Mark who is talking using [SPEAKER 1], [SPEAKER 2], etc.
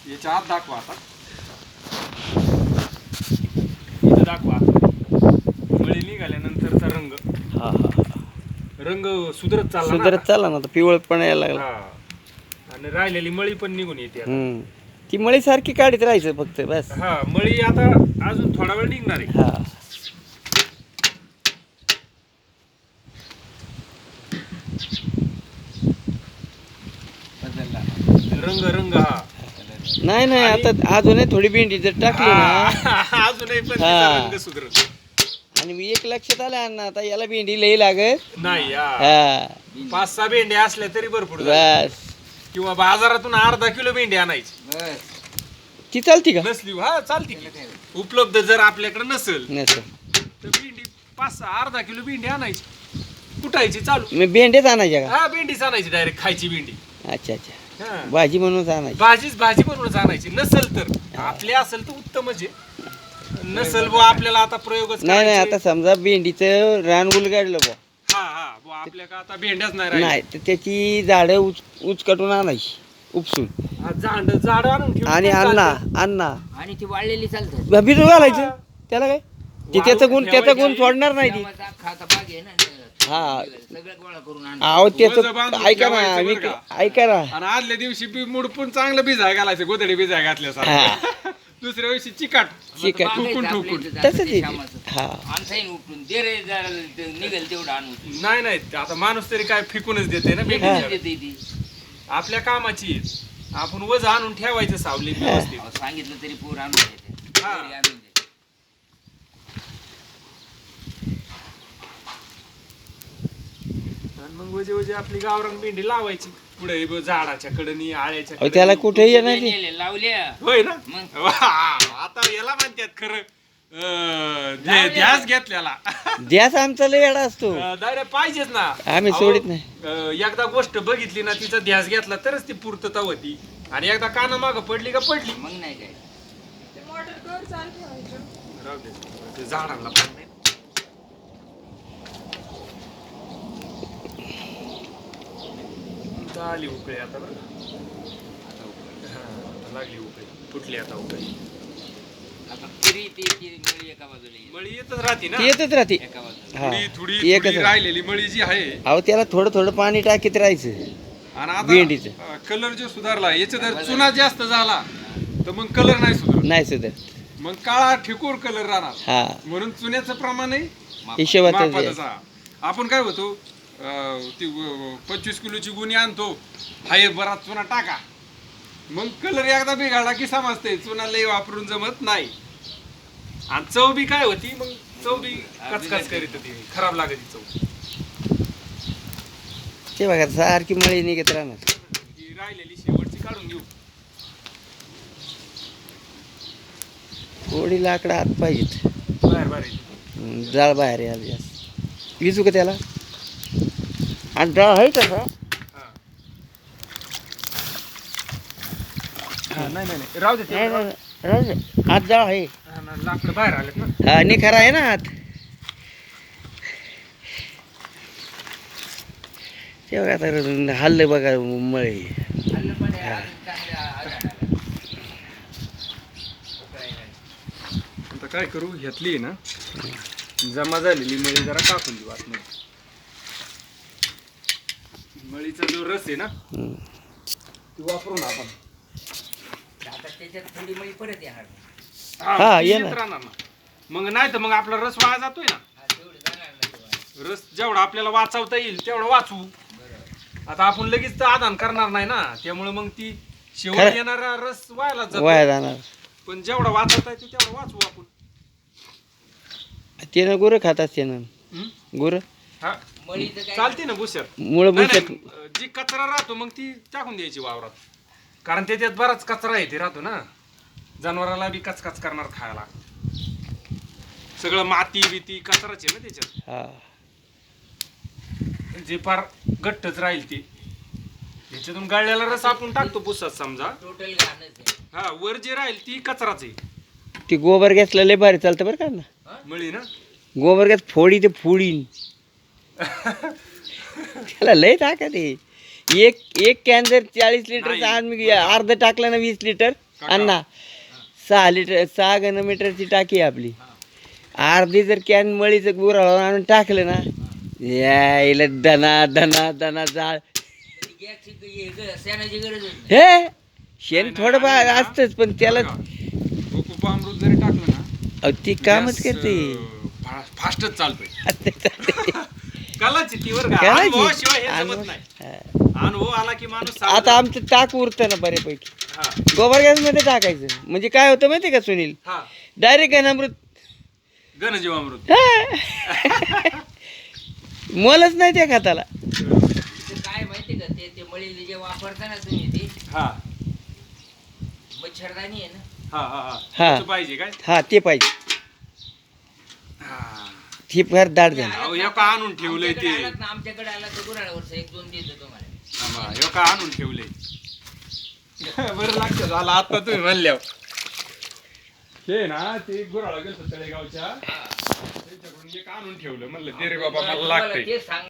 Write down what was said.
[SPEAKER 1] याच्या आत दाखवा आता. इथं दाखवा मळी निघाल्यानंतरचा रंग.
[SPEAKER 2] हा हा
[SPEAKER 1] रंग सुधरत चालला ना
[SPEAKER 2] सुधरत चालला ना, पिवळट पण यायला
[SPEAKER 1] आता.
[SPEAKER 2] लागला.
[SPEAKER 1] हा. आणि राहिलेली मळी पण निघून येते आता.
[SPEAKER 2] ती मळी सारखी काढीत राहायचं फक्त बस.
[SPEAKER 1] हा मळी आता अजून थोडा वेळ निघणार आहे.
[SPEAKER 2] हा
[SPEAKER 1] रंग रंग हा
[SPEAKER 2] नाही नाही, आता अजूनही थोडी भेंडी जर टाकली ना.
[SPEAKER 1] अजूनही पण
[SPEAKER 2] हा.
[SPEAKER 1] तिचा रंग सुधरत
[SPEAKER 2] आणि मी एक लक्षात आलं अण्णा, आता याला भेंडी लई लागत
[SPEAKER 1] नाही.
[SPEAKER 2] हा
[SPEAKER 1] 5-6 भेंड्या असल्या तरी भरपूर झालं.
[SPEAKER 2] बस.
[SPEAKER 1] किंवा बाजारातून अर्धा किलो भेंडी आणायची
[SPEAKER 2] ती चालती का?
[SPEAKER 1] नसली हा चालती की. उपलब्ध जर आपल्याकडे नसेल
[SPEAKER 2] नसं
[SPEAKER 1] तर भेंडी 5-6 अर्धा किलो भेंडी आणायची, कुटायची चालू.
[SPEAKER 2] मी भेंडेच आणायच्या का?
[SPEAKER 1] हा भेंडीच आणायची डायरेक्ट खायची भेंडी.
[SPEAKER 2] अच्छा अच्छा,
[SPEAKER 1] हा.
[SPEAKER 2] भाजी म्हणून आणायची.
[SPEAKER 1] भाजी बनवूनच आणायची. नसेल तर आपले असेल तर उत्तमच आहे. नसेल बुवा आपल्याला आता प्रयोगच
[SPEAKER 2] नाही नाही,
[SPEAKER 1] करायचे.
[SPEAKER 2] आता समजा भेंडीचं रान उलगाडलं बुवा,
[SPEAKER 1] हा हा बुवा आपल्या का आता भेंड्याच नाही राहिल्या.
[SPEAKER 2] नाही तर त्याची झाडं उचकटून आणायची उपसून.
[SPEAKER 1] हा, झाड आणून ठेवून
[SPEAKER 2] आणि
[SPEAKER 1] पण
[SPEAKER 2] अण्णा
[SPEAKER 1] चालतं.
[SPEAKER 2] अण्णा
[SPEAKER 3] आणि ती वाळलेली चालतात.
[SPEAKER 2] भिजू घालायचं त्याला काय, ते त्याचा गुण सोडणार नाही ती.
[SPEAKER 3] खाता भाग आहे ना,
[SPEAKER 2] हा
[SPEAKER 3] सगळं गोळा करून आण.
[SPEAKER 2] अहो
[SPEAKER 1] वजं
[SPEAKER 2] त्याचं
[SPEAKER 1] बांधून
[SPEAKER 2] ऐका ना,
[SPEAKER 1] ठेवायचं बरं का.
[SPEAKER 2] ऐका ना.
[SPEAKER 1] आणि आदल्या दिवशी बी मुडपून चांगलं भिजाय घालायचं, गोधडी भिजाय घातल्यासारखं. दुसऱ्या दिवशी चिकाट
[SPEAKER 2] चिकट
[SPEAKER 1] ठोकून ठोकून.
[SPEAKER 2] तसंच आहे. हा
[SPEAKER 3] आणसाईन उपटून दे रे, जरा निघेल तेवढं आणून
[SPEAKER 1] नाही नाही, आता माणूस तरी काय फेकूनच देते ना भेंडी.
[SPEAKER 3] देते ती.
[SPEAKER 1] आपल्या कामाची आहे. आपण वज आणून ठेवायचं सावली व्यवस्थित.
[SPEAKER 3] अहो, सांगितलं तरी पोर आणून देते.
[SPEAKER 1] हा.
[SPEAKER 3] घरी आणून देते.
[SPEAKER 1] आणि मग वजे वजे आपली गावरान भेंडी लावायची पुढे झाडाच्या कडनी आळ्याच्या
[SPEAKER 2] अहो, त्याला
[SPEAKER 1] कडेनी.
[SPEAKER 2] कुठे येणार नाही.
[SPEAKER 3] नेले, लावल्या
[SPEAKER 1] होय ना.
[SPEAKER 3] मग?
[SPEAKER 1] वा, आता याला म्हणतात खरं ध्यास घेतल्याला.
[SPEAKER 2] द्यास आमचा लय येडा असतो,
[SPEAKER 1] डायरेक्ट पाहिजेच ना.
[SPEAKER 2] आम्ही
[SPEAKER 1] अहो,
[SPEAKER 2] सोडित नाही.
[SPEAKER 1] एकदा गोष्ट बघितली ना, तिचा ध्यास घेतला तरच ती पूर्तता होती. आणि एकदा काना माग पडली का पडली.
[SPEAKER 3] मग नाही काय.
[SPEAKER 1] राहू दे. ते झाडांना पण नाही. आली उकळी आता बरं का. हा, आता लागली उकळी, फुटली आता उकळी.
[SPEAKER 3] आता तरी ती मळी एका बाजूला येईल.
[SPEAKER 1] मळी येतच राहते ना.
[SPEAKER 2] ती येतच राहते.
[SPEAKER 3] एका बाजूला.
[SPEAKER 2] हा
[SPEAKER 1] थोडी थोडी
[SPEAKER 2] ती एकच
[SPEAKER 1] थोडी
[SPEAKER 2] राहते.
[SPEAKER 1] राहिलेली मळी जी आहे.
[SPEAKER 2] अहो त्याला थोडं थोडं पाणी टाकीत राहायचं.
[SPEAKER 1] आणि
[SPEAKER 2] भेंडीचं.
[SPEAKER 1] आता कलर जो सुधारला, याचा जर चुना जास्त झाला तर मग कलर नाही सुधारत.
[SPEAKER 2] नाही सुद्धा.
[SPEAKER 1] मग काळा ठिकोर कलर राहणार.
[SPEAKER 2] हा
[SPEAKER 1] म्हणून चुन्याचं प्रमाणही
[SPEAKER 2] हिशोबातच
[SPEAKER 1] मापातच हा. आपण काय होतो, ती 25 किलोची गुणी आणतो, हाय बराच चुना टाका. मग कलर एकदा बिघडला की समजते चुना लई वापरून जमत नाही. आणि चव बी काय होती, मग चव बी कचकच करीत होती, खराब लागत चव.
[SPEAKER 2] ते बघा सारखी मळी निघत राहणार.
[SPEAKER 1] ही राहिलेली शेवटची काढून घेऊ.
[SPEAKER 2] थोडी लाकडं आत पाहिजेत,
[SPEAKER 1] बाहेर बाहेर
[SPEAKER 2] जाळ बाहेर यायला जास्त. विजू का त्याला? आणि डाळ आहे तसा.
[SPEAKER 1] नाही नाही नाही, राहू दे ते.
[SPEAKER 2] नाही, नाही, राहू दे. आत जाळ आहे.
[SPEAKER 1] हा ना, लाकडं बाहेर आलेत ना.
[SPEAKER 2] हा निखारा आहे ना आत. ते बघा आता हल्लं बघा मळी.
[SPEAKER 3] खाल्लं पण आहे, अजून चांगलं आधार आला.
[SPEAKER 1] आता काय करू, घेतली आहे ना जमा झालेली मळी जरा टाकून देऊ आतमध्ये. मळीचा जो रस आहे ना,
[SPEAKER 2] हम्म.
[SPEAKER 1] ती वापरून आपण.
[SPEAKER 3] आता त्याच्यात थोडी मळी परत येणार.
[SPEAKER 2] हा,
[SPEAKER 1] ती
[SPEAKER 2] ये
[SPEAKER 1] येत
[SPEAKER 2] ना.
[SPEAKER 1] राहणार ना. मग नाही तर मग आपला रस वाया जातोय ना.
[SPEAKER 3] हा, तेवढं जाणार नाही तेव्हा.
[SPEAKER 1] रस जेवढा आपल्याला वाचवता येईल तेवढं वाचवू. आता आपण लगेच तर आदान करणार नाही ना, त्यामुळे मग ती शेवट
[SPEAKER 2] खरं.
[SPEAKER 1] येणारा रस वायाला
[SPEAKER 2] वाया
[SPEAKER 1] जातो.
[SPEAKER 2] जाणार.
[SPEAKER 1] पण जेवढा वाचवता येतो तेवढा वाचवू आपण.
[SPEAKER 2] त्यानं गुरं खात असते ना.
[SPEAKER 1] हम्म?
[SPEAKER 2] गुरं
[SPEAKER 1] हा,
[SPEAKER 3] मळीचं काय
[SPEAKER 1] चालते ना भुसर.
[SPEAKER 2] मुळं
[SPEAKER 1] नाही,
[SPEAKER 2] बुशात.
[SPEAKER 1] नाही, जी कचरा राहतो मग ती टाकून द्यायची वावरात. कारण त्याच्यात बराच कचरा येते राहतो ना, जनावराला बी कचकच करणार खायला. सगळं माती बिती कचराच आहे ना त्याच्यात.
[SPEAKER 2] हा
[SPEAKER 1] जे फार घट्टच राहील ते त्याच्यातून गाळलेला रस आपण टाकतो पुसात समजा.
[SPEAKER 3] टोटल घाणच आहे.
[SPEAKER 1] हा, वर जे राहील ती कचराच आहे.
[SPEAKER 2] ती गोबर गॅसला लय भारी चालतं बरं का ना.
[SPEAKER 1] मळी ना.
[SPEAKER 2] गोबर गॅस फोडी ते फोडीन. त्याला लय ताकद आहे. एक कॅन जर 40 लिटरचा आज मी अर्ध टाकलं ना 20 लिटर
[SPEAKER 1] काका.
[SPEAKER 2] अण्णा 6 घनमीटरची टाकी आहे आपली. अर्धी जर कॅन मळीचं गुराळून आणून टाकलं ना, यायला दना दना दना जाळ.
[SPEAKER 3] शेणाची गरज
[SPEAKER 2] हे शेण
[SPEAKER 1] नाही,
[SPEAKER 2] थोडंफार
[SPEAKER 1] आणि ना,
[SPEAKER 2] असतंच, पण त्याला
[SPEAKER 1] गोकुपामृत जरी टाकलं ना,
[SPEAKER 2] अहो, ती कामच करते.
[SPEAKER 1] फास्टच चालतोय. कलाची ती वर
[SPEAKER 2] करायची.
[SPEAKER 1] अनुभवाशिवाय हे जमत नाही.
[SPEAKER 2] हा.
[SPEAKER 1] अनुभव आला की माणूस
[SPEAKER 2] आता आमचं टाक उरतं ना बऱ्यापैकी.
[SPEAKER 1] हा
[SPEAKER 2] गोबर गॅस मध्ये टाकायचं म्हणजे काय होतं माहिती का सुनील,
[SPEAKER 1] हा
[SPEAKER 2] डायरेक्ट घनामृत.
[SPEAKER 1] घनजीवामृत.
[SPEAKER 2] मोलच नाही त्या खताला.
[SPEAKER 3] काय माहिती का ते मळीला जे वापरता ना तुम्ही ते
[SPEAKER 1] हा
[SPEAKER 3] मच्छरदाणी आहे ना,
[SPEAKER 1] हा हा हा
[SPEAKER 2] हा.
[SPEAKER 1] तसं पाहिजे काय.
[SPEAKER 2] हा ते पाहिजे.
[SPEAKER 1] हा.
[SPEAKER 2] ती फार दाट झाली.
[SPEAKER 1] अहो, हे का आणून ठेवलंय ते.
[SPEAKER 3] आमच्याकडे आला तर गुराळावरचं 1-2 देतो तुम्हाला.
[SPEAKER 1] थांबा, हे का आणून ठेवलंय. बरं लक्षात झालं आता तुम्ही म्हणल्यावर. हे ना ते गुराळा गेलं तळेगावच्या, त्यांच्याकडून एक आणून ठेवलं. म्हणलं दे रे बाबा मला
[SPEAKER 3] तुम्हाला
[SPEAKER 1] लागतंय.
[SPEAKER 3] ते सांग